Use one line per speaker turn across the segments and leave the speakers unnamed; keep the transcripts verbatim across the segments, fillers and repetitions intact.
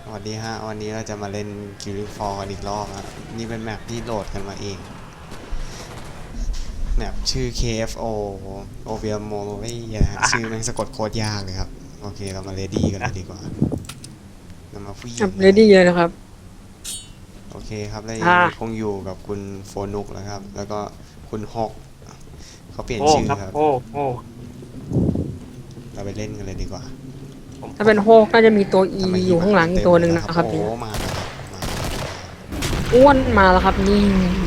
วัสดีฮะวันนี้เราจะมาเล่น Killing Floor กันอีกรอบครับนี่เป็นแมปที่โหลดกันมาเองแมปชื่อ เค เอฟ โอ Ovium m o r i นะฮะชื่อแม่งสะกดโคตรยากเลยครับโอเคเรามาเรดี้กันเลยดีกว่าเรามาฟี่
เรดี้เลยนะครับ
โอเคครับแล้ว
อ่า
คงอยู่กับคุณโฟนุกแล้วครับแล้วก็คุณฮอกเขาเปลี่ยน
โอ้
ชื่อ
ครับ
ครับ
โอ้โอ้
เราไปเล่นกันเลยดีกว่า
ถ้าเป็นโฮกน่าจะมีตัว E
ทำไม
อยู่ข้างหลังอีกตัวหนึ่งนะครับ
โอ้
เนี่ย
มาแล้วครับมา
อ้วนมาแล้วครับนี่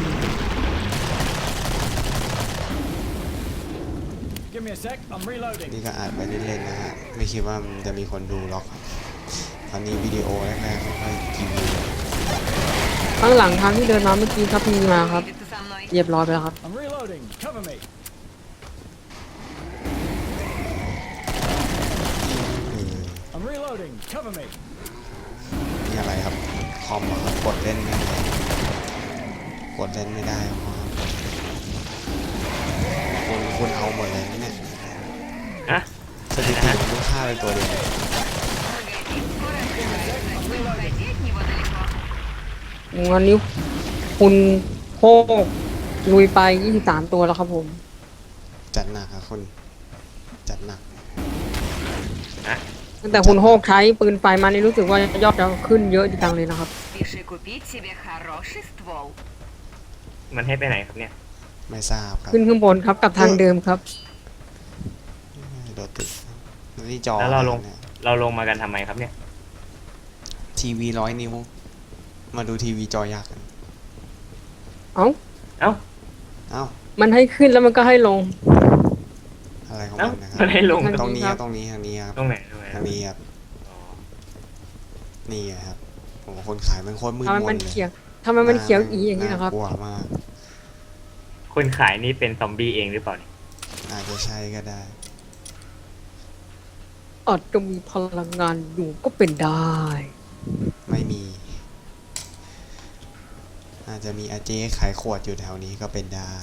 Give me a sec, I'm reloading.
นี่ก็อ่านไปเล่นๆนะฮะไม่คิดว่ามันจะมีคนดูหรอกตอนนี้วิดีโอแรกๆไม่ค่อยกี่วิว
ข้างหลังทางที่เดินมาเมื่อกี้ครับมีมาครับเรียบร้อยไปแล้วครับ
I'm reloading. Cover me.
เออ
I'm reloading. Cover me.
นี่อะไรครับคอมอะครับกดเล่นไม่ได้กดเล่นไม่ได้ครับคุณคุณเอาหมดเลยนะเนี่ย
ฮะ
สถิติมันต้องฆ่าไปตัวเดียว
วันนี้คุณโฮกลุยไปยี่สิบสามตัวแล้วครับผม
จัดหนักครับคุณจัดหนัก
ตั้งแต่คุณโฮกใช้ปืนไฟมานี่รู้สึกว่ายอดจะขึ้นเยอะจังเลยนะครับ
Спеши купить себе хороший ствол.
มันให้ไปไหนครับเนี่ย
ไม่ทราบครับ
ขึ้นข้างบนครับกับทางเดิมครับ
โดดตึกนี่จอ
แล้วเราลง
นี่ย
เราลงมากันทำไมครับเนี่ย
ทีวีร้อยนิ้วมาดูทีวีจอยักษ์กัน
เอ้า
เอ้า
เอ้า
มันให้ขึ้นแล้วมันก็ให้ลง
อะไรของ
เอ้า
มันนะครั
มัน
บ
ให้ลง
ตรงนี้ครับตรงนี้ทางนี้ครับ
ตรงไหนตรงไหน
ทางนี้ครับ
อ๋อ
นี่ครับโอ้โหคนขายมันโคตรมืด
ทำไม
ม
มัน
นเลย
เขียวทำไมมันเขียวอีอย่างนี้นะครับ
ากลัวมาก
คนขายนี่เป็นซอมบี้เองหรือเปล่าเนี่ย
อาจจะใช่ก็ได้
อาจจะมีพลังงานอยู่ก็เป็นได้
ไม่มี อาจจะมีอาเจ๊ขายขวดอยู่แถวนี้ก็เป็นได้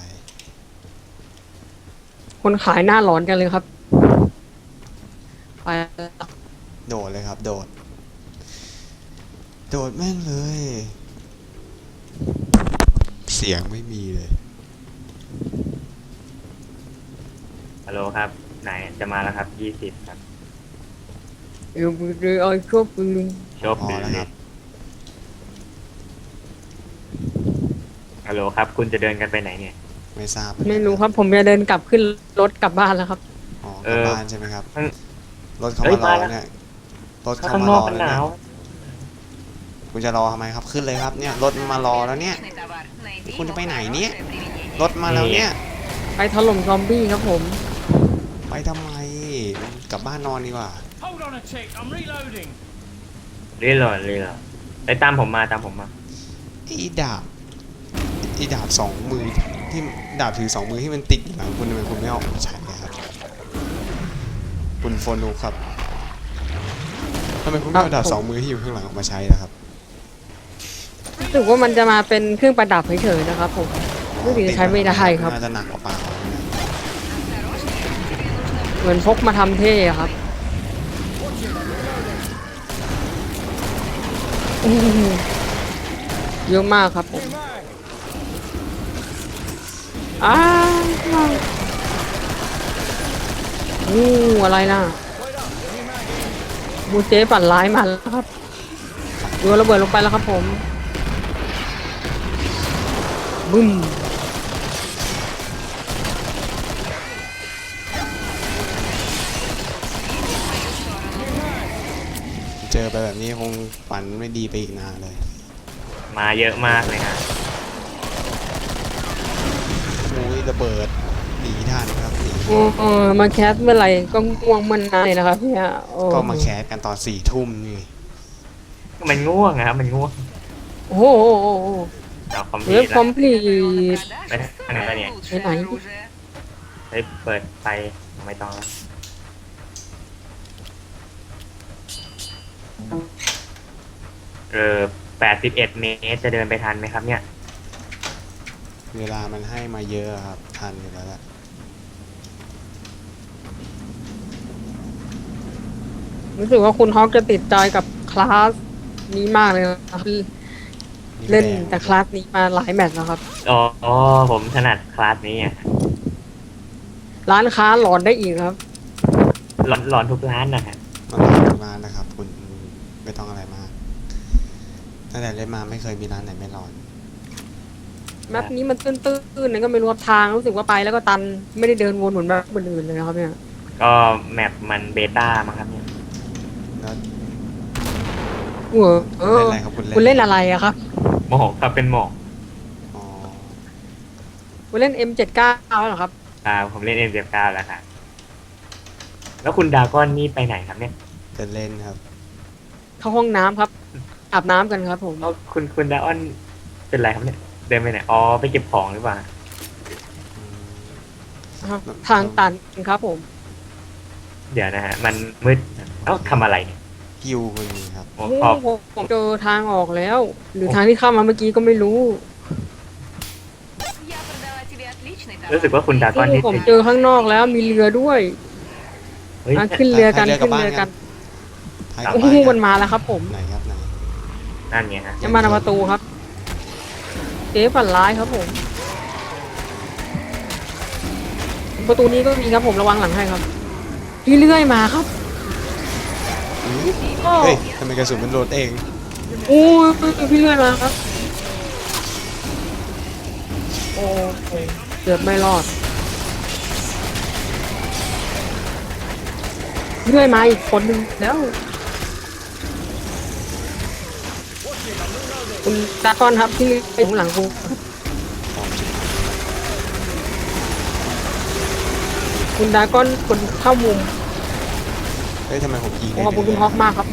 คนขายหน้าร้อนกันเลยครับ ไปแล้ว
โดดเลยครับ โดด โดดแม่งเลย เสียงไม่มีเลย
ฮัลโหลครับไหนจะมาแล้วครับยี่สิบครับ
เอวมือเลยไอ้ชอบปืน
ชบ
พอ
ดี
แล้วครับ
ฮัลโหลครับ คุณจะเดินกันไปไหนเนี่ย
ไม่ทราบ
ไม่รู้ครับผมจะเดินกลับขึ้นรถกลับบ้านแล้วครับ
อ๋อกลับ
เออ
บ้านใช่ไหมครับ
มัน
รถเขา
เฮ้ย
มารอ
มาแล้ว
เนี่ย รถเขา
ข้าง
มาน ร
อก
อ
มัน
แล้ว
ห
เนี่
นาย ว
คุณจะรอทำไมครับ ขึ้นเลยครับ เนี่ย รถมารอแล้วเนี่ย
Отличный товар. Найди
Куда
ему
по найти?
хорошее применение.
รถมาแล้วเนี่ย
ไปถล่มซอมบี้ครับผม
ไปทำไม กลับบ้านนอนดีกว่า
Hold on a tick, I'm reloading.
เรื่อยๆเรื่อยๆไปตามผมมาตามผมมา
ไอ้ดาบไอ้ดาบสองมือที่ดาบถือสองมือที่มันติดอยู่หลังคุณทำไมคุณไม่เอาออกมาใช้อะครับคุณโฟนูครับทำไมคุณไม่เอาดาบสองมือที่อยู่ข้างหลังออกมาใช้ล่ะครับ
รู้สึกว่ามันจะมาเป็นเครื่องประดับเฉยๆนะครับผมรู้สึกจะใช้ไม่ได้ครับ
น่าจะหนักกว่าเปล่านะ
เหมือนพกมาทำเท่อะครับอื้อหือเยอะมากครับผมอ้าวอู้อะไรนะมูเจ๊ปั่นร้ายมาแล้วครับโยนระเบิดลงไปแล้วครับผมบึ้ม
เจอไปแบบนี้คงฝันไม่ดีไปอีกนานเลย
มาเยอะมากเลยฮะ
โอ้ยระเบิดหนีทันครับหนี
โอ้เออมาแคสเมื่อไหร่ก็ง่วงมันนานเลยนะครับเนี่ยโอ้
ก็มาแคสกันตอนสี่ทุ่มนี่
มันง่วงอะครับมันง่วง
โอ้โหโอ้โหโอ้โห
เอาคอมพิ
เว็
ว
บ
ต์
คอมพลีท
Продаж
Понятно,
самое
понятно.
лучшее
Понятно.
оружие.
เฮ้ยเปิดไฟไม่ต้องแล้วเออแปดสิบเอ็ดเมตรจะเดินไปทันไหมครับเนี่ย
เวลามันให้มาเยอะครับทันอยู่แล้วแหละ
รู้สึกว่าคุณฮอกจะติดใจกับคลาสนี้มากเลยครับเล่นแต่คลาสนี้มาหลายแมตช์แล้วครับ
อ๋ออ๋อผมถนัดคลาสนี้อ่ะ
ร้านค้าหลอนได้อีกครับ
หลอนหลอนทุกร้านนะฮะ
มันหลายร้านนะครับ คุณไม่ต้องอะไรมากตั้งแต่เล่นมาไม่เคยมีร้านไหนไม่ร้อน
แมปนี้มันตื้นๆนั่นก็ไม่รู้ครับทางรู้สึกว่าไปแล้วก็ตันไม่ได้เดินวนเหมือนแบบอื่นๆเลยนะครับเนี่ย
ก็แมปมันเบต้ามั้งครับเนี่ย
แล้ว
เออเออ
เล่นอะไรครับคุณเล่น
คุณเล่นอะไรอะครับ
หมอกครับเป็นหมอก
อ๋อ
คุณเล่น เอ็ม เจ็ดสิบเก้า เหรอครับ
อ่าผมเล่นเอ็มเจ็ดเก้าแล้วครับแล้วคุณดราก้อนนี่ไปไหนครับเนี่ย
จะเล่นครับ
เข้าห้องน้ำครับอาบน้ำกันครับผม
แล้วคุณคุณดราก้อนเป็นไรครับเนี่ยเดินไปไหนอ๋อไปเก็บของหรือเปล่า
อืม
ครับทางตันครับผม
เดี๋ยวนะฮะมันมืดเอ้าทำอะไรเนี่ย
ฮิวคุณนี่ครับ
โอ้
โอ้
ขอบ
โหผมเจอทางออกแล้ว หรือทางที่เข้ามาเมื่อกี้ก็ไม่รู้
Я продала тебе отличный
รู้สึก
товар.
ว่าคุณดราก้อนนี่
ผมเจอข้างนอกแล้วมีเรือด้วย
เฮ้ย
อ่ะขึ้นเรือกัน
ให้เรือ
ขึ้นเรือกัน
ให้
โอ้
กลับ
โห
บ้าน
มันมาแล้วครับผม
ไหนครับไหน
นั่นไงฮะ
จะมาทางประตูครับเจ๊ฝันร้ายครับผม ประตูนี้ก็มีครับผมระวังหลังให้ครับเรื่อยๆมาครับ
อื้อเฮ้ยทำไมกระสุนมันโหลดเอง
โอ้ยพี่เรื่อยมาครับ โอ้โหเกือบไม่รอดเรื่อยมาอีกคนหนึ่งแล้ว คุณดากอนครับที่ไปข้างหลังกู
ของชิบหาย
คุณดากอนคนเข้ามุม
เฮ้ยทำไมผมยิงได้
ขอบคุณคุณฮอกมากครับผม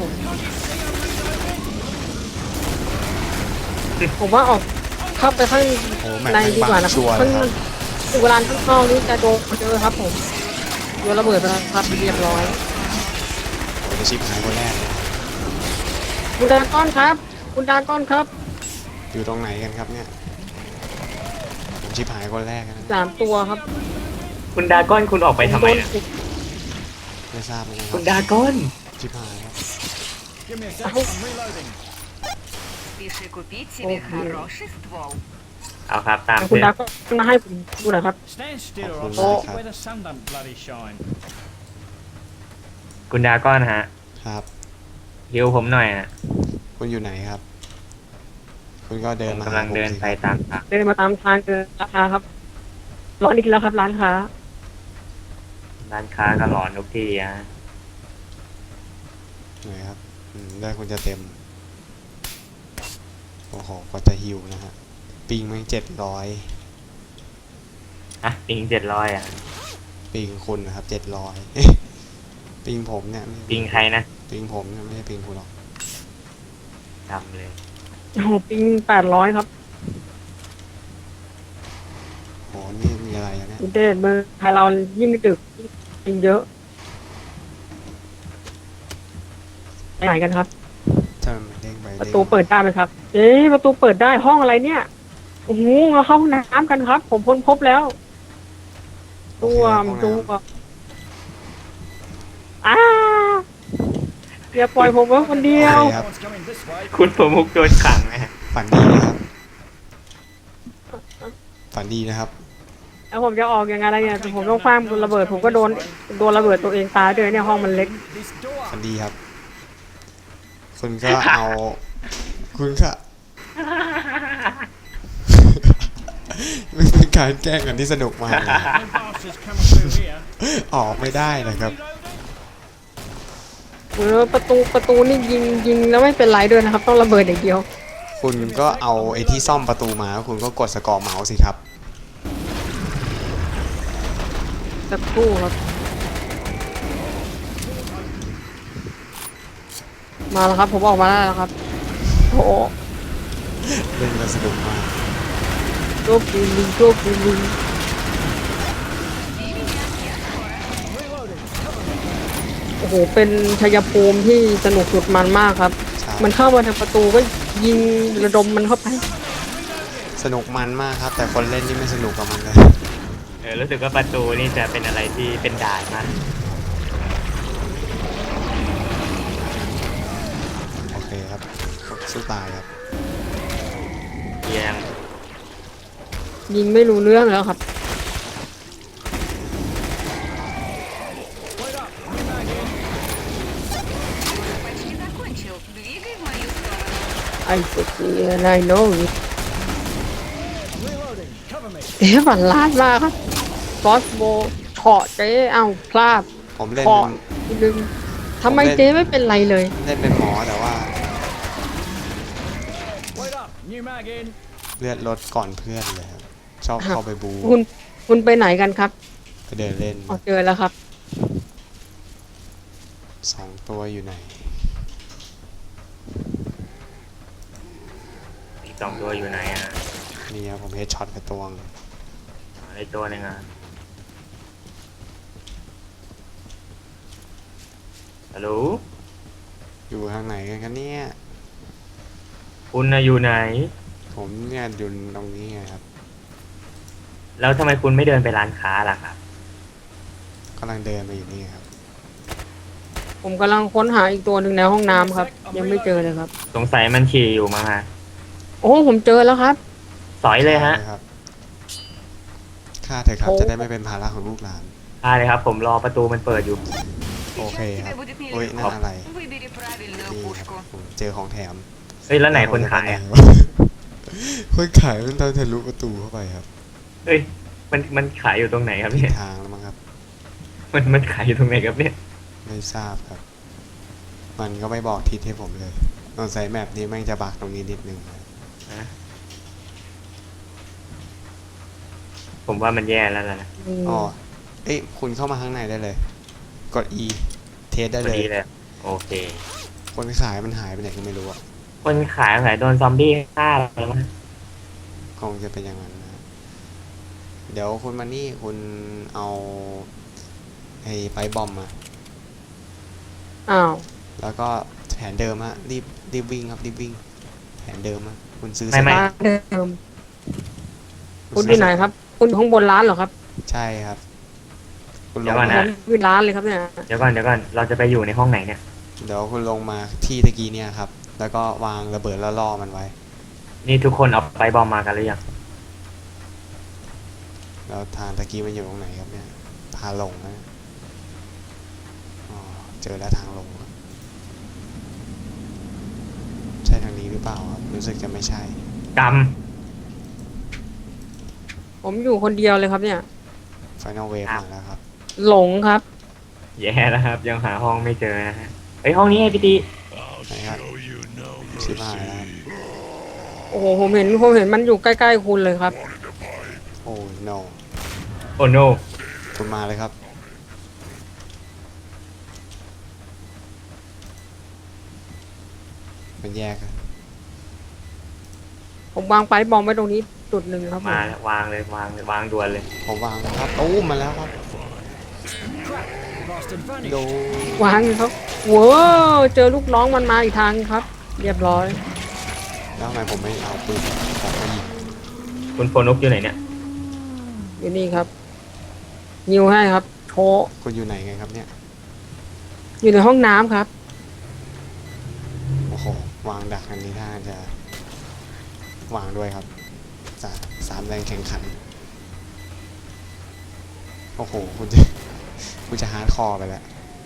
ผมว่าออกเข้าไปข้าง
โอ้แม่ง
ในดีกว่า
บั
นะ
งชัวร์เล
ข้าง
ยครับ
ถึงเวลาข้างนอกนี้จะโดนเจอครับผมโดนระเบิดไปแล้วครับเรียบร้อย
โอ้จะชิบหายคนแรกเลย
คุณดากอนครับ คุณดากอนครับ
อยู่ตรงไหนกันครับเนี่ยผมชิบหายคนแรกนะ
สามตัวครับ
คุณดราก้อนคุณออกไปทำไมนะ
ไม่ทราบเหมือนกันค
คุ
รับ
ณดราก้อน
ชิบหายครับ
Give me a sec. I'm reloading.
Спеши купить себе
Ого.
хороший ствол.
เอาครับตาม
คุณ
เพื่อ
ดากอนมาให้ผมดูหน่อยครับ
Stand still or
Oh,
I'll
oh.
show you where the sun don't bloody shine.
คุณดราก้อนฮะ
ครับ
ฮิวผมหน่อยฮะ
คุณอยู่ไหนครับ คุณก็เดิ
ผ
น
ม
มาก
ำลัง
หาผม
เดิน
สิ
ไป
ครับ
ตามทาง
เดินมาตามทางเจอราคาครับร้อนอีกแล้วครับร้านค้า
ร้านค้าก็หลอนทุกที่ฮะ
ไหนครับอืมได้คุณจะเต็มโอ้โหกว่าจะฮิวนะฮะปิงมันเจ็ดร้อย
อ่ะปิงเจ็ดร้อยอ่ะ
ปิงคุณนะครับเจ็ดร้อย ปิงผมเนี่ยไม่
ปิงใครนะ
ปิงผมเนี่ยไม่ใช่ปิงคุณหรอก
จำเลย
โอ้โหปิงแปดร้อยครับ
โหนี่มีอะไรอะเนี่ย
อินเทอร์เน็ตเมืองไทยเรายิ่งดึกยิ่งเยอะไปไหนกันครับ
ถ้ามันเด้งไป
ประ
เด้ง
ตูเปิดได้ไหมครับ เอ๊ะประตูเปิดได้ห้องอะไรเนี่ยโอ้โหมาเข้าห้องน้ำกันครับ ผมพ้นพบแล้ว
โอ
ตั
เคว ครับ
ม
ห้อง
ตั
น้
วอ้าอย่าปล่อยผมไว้คนเดียว
โอเคครับ
One's coming this way.
คุณประมุกโดนขังนะฮะ
ฝันดีนะครับ ฝันดีนะครับ
แล้วผมจะออกยังไงอะไรเนี่ยผมต้องคว้างระเบิด ผมก็โดนโดนระเบิดตัวเองตายด้วยเนี่ยห้องมันเล็ก
This door.
ฝันดีครับ คุณก็เอา คุณก็ มันเป็นการแกล้งกันที่สนุกมากเลย
No bastards coming through here.
ออกไม่ได้นะครับ
เออประตูประตูนี่ยิงยิงแล้วไม่เป็นไรด้วยนะครับ ต้องระเบิดอย่างเดียว
คุณก็เอาไอ้ที่ซ่อมประตูมาแล้วคุณก็กดสกอร์เมาส์สิครับ
สักครู่ครับ มาแล้วครับ ผมออกมาได้แล้วครับโอ้
เล่นกันสนุกมาก
โชคดีลิงโชคดีลิง
Reloading. Cover me.
โอ้โหเป็นชัยภูมิที่สนุกสุดมันมากครับ
ใช่
มันเข้ามาทางประตูก็ยิงระดมมันเข้าไป
สนุกมันมากครับ แต่คนเล่นนี่ไม่สนุกกับมันเลย
เออรู้สึกว่าประตูนี่จะเป็นอะไรที่เป็นด่านมาก
โอเคครับสู้ตายครับ
เอียง
ยิงไม่รู้เรื่องแล้วครับ
Wait up. New mag in.
Почти закончил. Двигай в мою сторону.
ไอ้สุดที่นายโน้ย
Reloading. Cover me.
เจ๊ฝันล้านมากครับฟอสโบเฉาะเจ๊เอ้าพลาด
ผมเล่น
เฉาะทีนึงทำไมเจ๊ไม่เป็นไรเลย
เล่นเป็นหมอแต่ว่า
Wait up. New mag in.
เลือดลดก่อนเพื่อนเลยครับชอบเข้าไปบู
คุณคุณไปไหนกันครับ
ไปเดินเล่น
อ๋อเจอแล้วครับ
สองตัวอยู่ไหน
อีกสองตัวอยู่ไหนอ่ะ
นี่ครับผมเฮดช็อตไปตวง
อะไรตัวหนึงอ่ะฮัลโหล
อยู่ทางไหนกันครับเนี่ย
คุณน่ะอยู่ไหน
ผมเนี่ยอยู่ตรงนี้ไงครับ
แล้วทำไมคุณไม่เดินไปร้านค้าล่ะครับ
กำลังเดินมาอยู่นี่ครับ
ผมกำลังค้นหาอีกตัวหนึ่งในห้องน้ำครับ ยังไม่เจอเลยครับ
สงสัยมันฉี่อยู่มั้งฮะ
โอ้ผมเจอแล้วครับ
สอยเลยฮะ
ใช่ครับฆ่าเถอะครับ
โอ้
จะได้ไม่เป็นภาระของลูกหลาน
ได้เลยครับ ผมรอประตูมันเปิดอยู่
โอเค
Сейчас
ครับ
тебе будет
โอ้ยนั่น
нелегко.
อะไร
Выбери правильную
นี่ครับ
пушку.
ผมเจอของแถม
เฮ้ยแล้วไหนคนขายอ่ะ
คนขายมันตอนทะลุประตูเข้าไปครับ
เฮ้ยมันมันขายอยู่ตรงไหนครับ
ผิด
เนี่ย
ทางแล้วมั้งครับ
มันมันขายอยู่ตรงไหนครับเนี่ย
ไม่ทราบครับ มันก็ไม่บอกทิศให้ผมเลยตอนใส่แมปนี้แม่งจะบักตรงนี้นิดนึงนะ
นะผมว่ามันแย่แล้วล่ะนะ
อ๋อ เอ้ยคุณเข้ามาข้างในได้เลย กด E เทสได้
พ
เล
อย ดีเลยโอเค
คนขายมันหายไปไหนก็ไม่รู้อะ
คนขายขายโดนซอมบี้ฆ่าแล้วมั้ง
คงจะเป็นอย่างนั้นนะ เดี๋ยวคุณมานี่คุณเอาไอ้ไปบอมมา
อ้าว
แล้วก็แผนเดิมฮะรีบรีบวิ่งครับรีบวิ่ง แผนเดิมฮะคุณซื้อ
ไม่ไม่
ร้านเดิมคุณอยู่ไหนครับ คุณอยู่ข้างบนร้านเหรอครับ
ใช่ครับ คุณล
เดี๋ย
ง
วก่อน
มา
นะ
ผมอยู่ร้านเลยครับเนี่ย
เดี๋ยวก่อนเดี๋ยวก่อนเราจะไปอยู่ในห้องไหนเนี่ย
เดี๋ยวคุณลงมาที่ตะกี้เนี่ยครับ แล้วก็วางระเบิดแล้วล่อมันไว้
นี่ทุกคนเอาไปบอมมากันหรือยัง
แล้วทางตะกี้มันอยู่ตรงไหนครับเนี่ยพาลงนะอ๋อเจอแล้วทางลงครับใช่ทางนี้หรือเปล่าครับรู้สึกจะไม่ใช่
ก
ผมอยู่คนเดียวเลยครับเนี่ย
Final Wave
ครับ
มาแล้วครับ
หลงครับ
ำแย่แล้วครับ ยังหาห้องไม่เจอนะฮะเฮ้ยห้องนี้ไงพี่ตี
ไหนครับชิบหายแล้ว
โอ้โหผมเห็นผมเห็นมันอยู่ใกล้ๆคุณเลยครับ
โอ้ no
โอ้โน
คุณมาเลยครับ มันแยกอะ
ผมวางไปบอมไว้ตรงนี้จุดหนึ่งครับผม
มาแล้ววางเลยวางเลยวางด่วนเลย
ผมวางแล้วครับตู้มมาแล้วครับ
Bastard vanished.
โด
วางเลยครับว้าวเจอลูกน้องมันมาอีกทางครับ เรียบร้อย
แล้วทำไมผมไม่เอาปืนผมมายิง
คุณโฟนุกอยู่ไหนเนี่ย
อยู่นี่ครับยิวให้ครับโชว์
คุณอยู่ไหนไงครับเนี่ย
อยู่ในห้องน้ำครับ
โอ้โห วางดักอันนี้ท่าจะ วางด้วยครับสาสามแรงแข่งขัน โอ้โห คุณจะ คุณจะฮาร์ดคอร์ไปแล้ว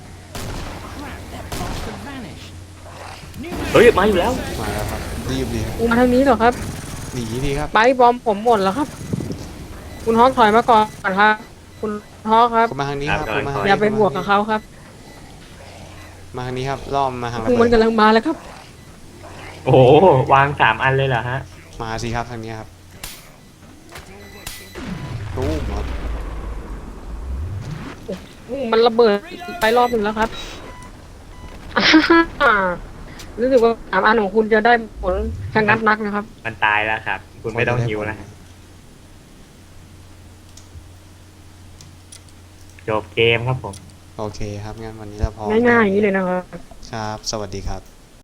Bastard vanished. New
เฮ้ยมาอยู่แล้ว
มาแล้วครับ รีบดีครับ
มาทางนี้เหรอครับ
หนีดีครับ
ไปบอมผมหมดแล้วครับ คุณฮอกถอยมาก่อนครับ คุณฮอกครับ
คุณมาทางนี้ครับ
ครับ
คุณมาทาง
อ
นี้
ย่าไปบวกกับเขาครับ
มาทางนี้ครับล้อมมาทางระ
คือ
เบิ
มัน
ด
กำลังมาแล้วครับ
โอ้โหวางสามอันเลยเหรอฮะ
มาสิครับทางนี้ครับตู้มครับ
มันระเบิดไปรอบหนึ่งแล้วครับ อ่ารู้สึกว่าสามอันของคุณจะได้ผลชะงัดนักนะครับ
มันตายแล้วครับ คุณไม่ต้องหิวนะจบเกมครับผม
โอเคครับงั้นวันนี้เราพอ
ง่ายๆอย่างนี้เลยนะครับ
ครับ สวัสดีครับ